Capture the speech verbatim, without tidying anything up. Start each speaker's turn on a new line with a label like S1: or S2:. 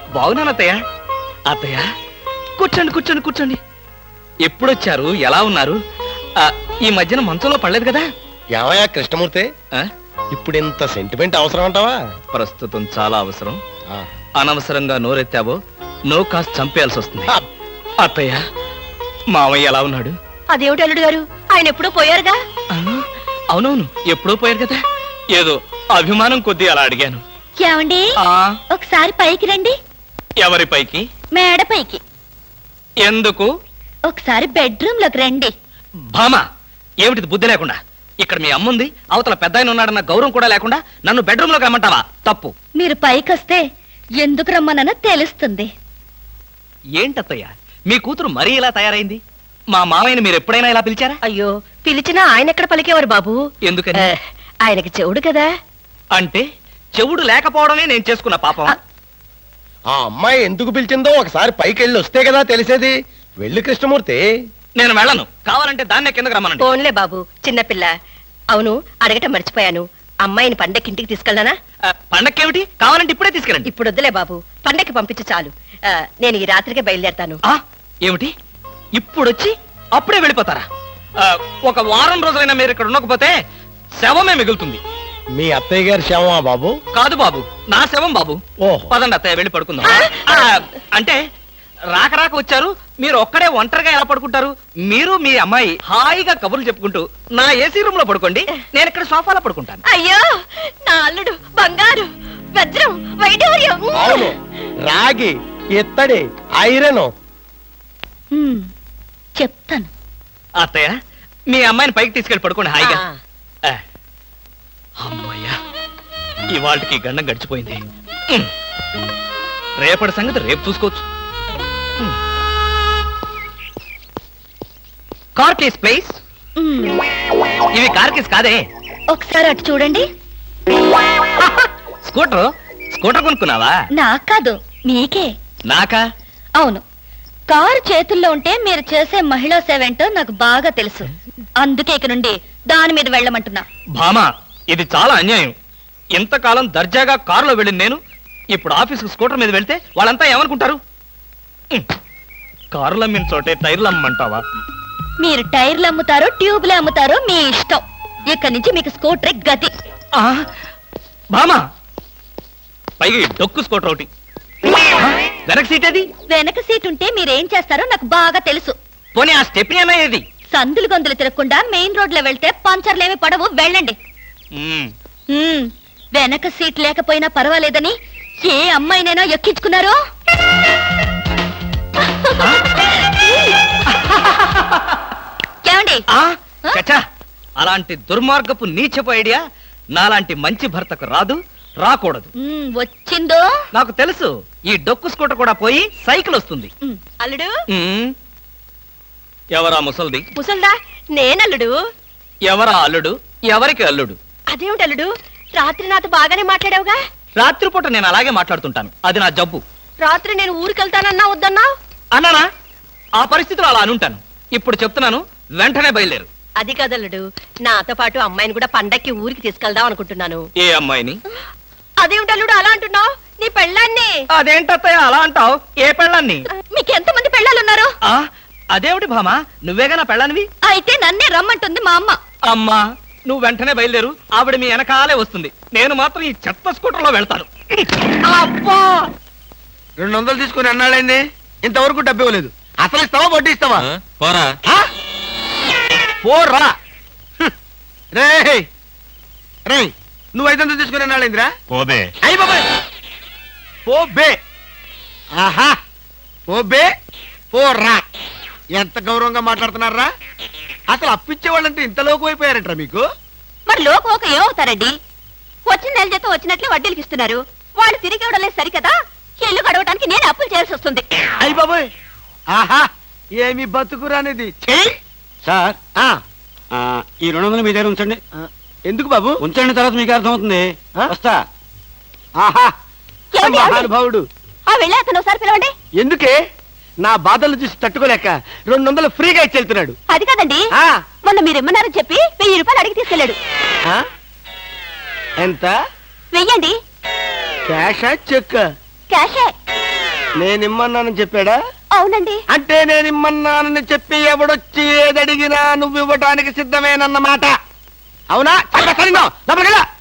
S1: బాగున్నాను అత్తయ్య. అత్తయ్య కూర్చోండి కూర్చోండి కూర్చోండి. ఎప్పుడొచ్చారు? ఎలా ఉన్నారు? ఈ మధ్యన మంచంలో పడలేదు కదా?
S2: ఏమయ్యా కృష్ణమూర్తి, ఇప్పుడు ఇంత సెంటిమెంట్ అవసరం అంటావా?
S1: ప్రస్తుతం చాలా అవసరం. అనవసరంగా నోరెత్తావో నో కాస్త చంపేయాల్సి వస్తుంది. అత్తయ్య మామయ్య ఎలా ఉన్నాడు?
S3: అదేమిటి అల్లుడు గారు, ఆయన ఎప్పుడూ పోయారుగా?
S1: అవునవును, ఎప్పుడో పోయారు కదా. ఏదో అభిమానం కొద్దీ అలా అడిగాను.
S3: ఏమండి, ఒకసారి పైకి రండి.
S1: ఎవరి పైకి?
S3: మేడ పైకి.
S1: ఎందుకు?
S3: ఒకసారి బెడ్రూమ్ లోకి రండి.
S1: భామా, ఏమిటిది బుద్ధి లేకుండా? ఇక్కడ మీ అమ్ముంది, అవతల పెద్ద ఆయన ఉన్నాడన్న గౌరవం కూడా లేకుండా నన్ను బెడ్రూమ్ లోకి రమ్మంటావా? తప్పు.
S3: మీరు పైకి వస్తే ఎందుకు రమ్మనో తెలుస్తుంది.
S1: ఏంటత్తయ్య, మీ కూతురు మరీ ఇలా తయారైంది? మా మామయ్యని మీరు ఎప్పుడైనా ఇలా పిలిచారా?
S3: అయ్యో, పిలిచినా ఆయన ఎక్కడ పలికేవారు బాబు?
S1: ఎందుకని?
S3: ఆయనకి చెవుడు కదా.
S1: అంటే చెవుడు లేకపోవడమే నేను చేసుకున్న పాపం.
S2: ఆ అమ్మాయి ఎందుకు పిలిచిందో ఒకసారి పైకి వెళ్ళి వస్తే కదా తెలిసేది. వెళ్ళి కృష్ణమూర్తి.
S1: నేను వెళ్ళను. కావాలంటే దాన్నే కిందకు రమ్మనండి.
S3: పోన్లే బాబు, చిన్నపిల్ల. అవును, అడగటం మర్చిపోయాను. అమ్మాయిని పండక్కి ఇంటికి తీసుకెళ్ళనా?
S1: పండక్కేమిటి? కావాలంటే ఇప్పుడే తీసుకెళ్ళండి.
S3: ఇప్పుడు వద్దులే బాబు, పండక్కి పంపించు చాలు. నేను ఈ రాత్రికే బయలుదేరతాను.
S1: ఏమిటి ఇప్పుడొచ్చి అప్పుడే వెళ్ళిపోతారా? ఒక వారం రోజులైనా మీరు ఇక్కడ ఉండకపోతే శవమే మిగులుతుంది.
S2: మీ అత్తయ్య గారి శవమా బాబు?
S1: కాదు బాబు, నా శవం బాబు. పదండి అత్తయ్య, వెళ్ళి పడుకుందాం. అంటే రాక రాక వచ్చారు, మీరు ఒక్కడే ఒంటరిగా ఎలా పడుకుంటారు? మీరు మీ అమ్మాయి హాయిగా కబుర్లు చెప్పుకుంటూ నా ఏసీ రూమ్ లో పడుకోండి, నేను ఇక్కడ సోఫాలో పడుకుంటాను.
S3: అయ్యో, నా అల్లుడు బంగారు, వజ్రం, వైఢూర్యం.
S2: అవును, రాగి, ఇత్తడి, ఐరన్.
S3: చెప్తాను.
S1: అత్తయ్య, మీ అమ్మాయిని పైకి తీసుకెళ్ళి పడుకోండి హాయిగా. అమ్మయ్యా, ఇవాళకి గండం గడిచిపోయింది. రేపటి సంగతి రేపు చూసుకోవచ్చు. Car keys please. ఇవి కార్ కేస్ కాదే.
S3: ఒకసారి అటు చూడండి.
S1: స్కూటర్ స్కూటర్ కొనుక్కున్నావా?
S3: నాకు కాదు, మీకే.
S1: నాకా?
S3: అవును, కారు చేతుల్లో ఉంటే మీరు చేసే మహిళా సేవ ఏంటో నాకు బాగా తెలుసు. అందుకే ఇక నుండి దాని మీద వెళ్ళమంటున్నా.
S1: భామా, ఇది చాలా అన్యాయం. ఇంతకాలం దర్జాగా కారులో వెళ్ళింది నేను, ఇప్పుడు ఆఫీసుకు స్కూటర్ మీద వెళ్తే వాళ్ళంతా ఏమనుకుంటారు? కారులు అమ్మిన చోటే టైర్లు అమ్మంటావా?
S3: మీరు టైర్లు అమ్ముతారో ట్యూబ్లు అమ్ముతారో మీ ఇష్టం. ఇక్కడి నుంచి మీకు స్కూటర్ గతి.
S1: భామా, పైగా డొక్కు స్కూటర్ ఒకటి. వెనక సీట్ ఏది?
S3: వెనక సీట్ ఉంటే మీరేం చేస్తారో నాకు బాగా తెలుసు.
S1: పోనీ ఆ స్టెప్నీ అన్నా ఏది?
S3: సందులు గొంతులు తిరగకుండా మెయిన్ రోడ్ లో వెళ్తే పంచర్లేమి పడవు, వెళ్ళండి. వెనక సీట్ లేకపోయినా పర్వాలేదని ఏ అమ్మాయినైనా ఎక్కించుకున్నారో?
S1: అలాంటి దుర్మార్గపు నీచపు ఐడియా నాలాంటి మంచి భర్తకు రాదు, రాకూడదు.
S3: వచ్చిందో
S1: నాకు తెలుసు. ఈ డొక్కు స్కూటర్ కూడా పోయి సైకిల్ వస్తుంది.
S3: అల్లుడు,
S1: ఎవరా ముసల్ది?
S3: ముసల్దా? నేనల్లుడు.
S1: ఎవరా అల్లుడు? ఎవరికి అల్లుడు?
S3: అదేమిటి అల్లుడు, రాత్రి నాతో బాగానే మాట్లాడావుగా?
S1: రాత్రిపూట నేను అలాగే మాట్లాడుతుంటాను, అది నా జబ్బు.
S3: రాత్రి నేను ఊరికెళ్తానన్నా వద్దన్నా?
S1: అన్నానా? ఆ పరిస్థితిలో అలా అనుంటాను. ఇప్పుడు చెప్తున్నాను, వెంటనే బయలుదేరు.
S3: అది కదల్లుడు, నాతో పాటు అమ్మాయిని కూడా పండక్కి ఊరికి తీసుకెళ్దాం అనుకుంటున్నాను.
S1: ఏ అమ్మాయిని?
S3: అదేమిటి అల్లుడు అలా అంటున్నావు? నీ పెళ్ళాన్ని.
S1: అదేంటత్తయ్య అలా అంటావు? ఏ పెళ్ళాన్ని?
S3: మీకు ఎంత మంది పెళ్ళాలున్నారు?
S1: అదేమిటి భామా, నువ్వేగా నా పెళ్ళానివి?
S3: అయితే నన్నే రమ్మంటుంది మా అమ్మ.
S1: అమ్మా, నువ్వు వెంటనే బయలుదేరు, ఆవిడ మీ వెనకాలే వస్తుంది. నేను మాత్రం ఈ చెత్త స్కూటర్ లో వెళ్తాను.
S2: అబ్బా, రెండు వందలు తీసుకుని అన్నాడైంది, ఇంతవరకు డబ్బు ఇవ్వలేదు. అసలు ఇస్తావా వడ్డీ ఇస్తావా?
S1: పోరా
S2: పోరా. రే రే, నువ్వు ఐదు వందలు తీసుకుని అన్నాడైందిరా?
S1: పోబే.
S2: అయ్యి బాబాయ్, పోబే. ఆహా, పోబే పోరా. ఎంత గౌరవంగా మాట్లాడుతున్నారా? అసలు అప్పిచ్చే వాళ్ళంటే ఇంత లోకు అయిపోయారంటారా మీకు?
S3: మరి లోకు ఒక ఏమవుతారండి? వచ్చిన నెల జీతం వచ్చినట్లే వడ్డీలకి ఇస్తున్నారు. వాళ్ళు తిరిగి ఇవ్వడం లేదు సరికదా, ఇల్లు గడవటానికి నేను అప్పులు చేయాల్సి వస్తుంది.
S2: అయ్యి బాబాయ్, ఆహా, ఏమి బతుకురానిది.
S4: సార్, ఈ రెండు వందలు మీ దగ్గర ఉంచండి.
S2: ఎందుకు బాబు?
S4: ఉంచండి, తర్వాత మీకు అర్థమవుతుంది. వస్తా.
S2: ఆహా, మహానుభావుడు.
S3: వెళ్ళి అతను ఒకసారి పిలవండి.
S2: ఎందుకే? నా బాధలు చూసి తట్టుకోలేక రెండు వందలు ఫ్రీగా ఇచ్చి వెళ్తున్నాడు.
S3: అది కాదండి, మొన్న మీరు ఇమ్మన్నారని చెప్పి వెయ్యి రూపాయలు అడిగి తీసుకెళ్ళాడు.
S2: ఎంత?
S3: వెయ్యండి.
S2: క్యాషా చెక్?
S3: క్యాషే.
S2: నేనిమ్మన్నానని చెప్పాడా?
S3: అవునండి.
S2: అంటే నేనిమ్మన్నానని చెప్పి ఎవడొచ్చి ఏదడిగినా నువ్వు ఇవ్వటానికి సిద్ధమేనన్నమాట. అవునా? చెప్ప సరిగ్గా. లోపలికి వెళ్ళు.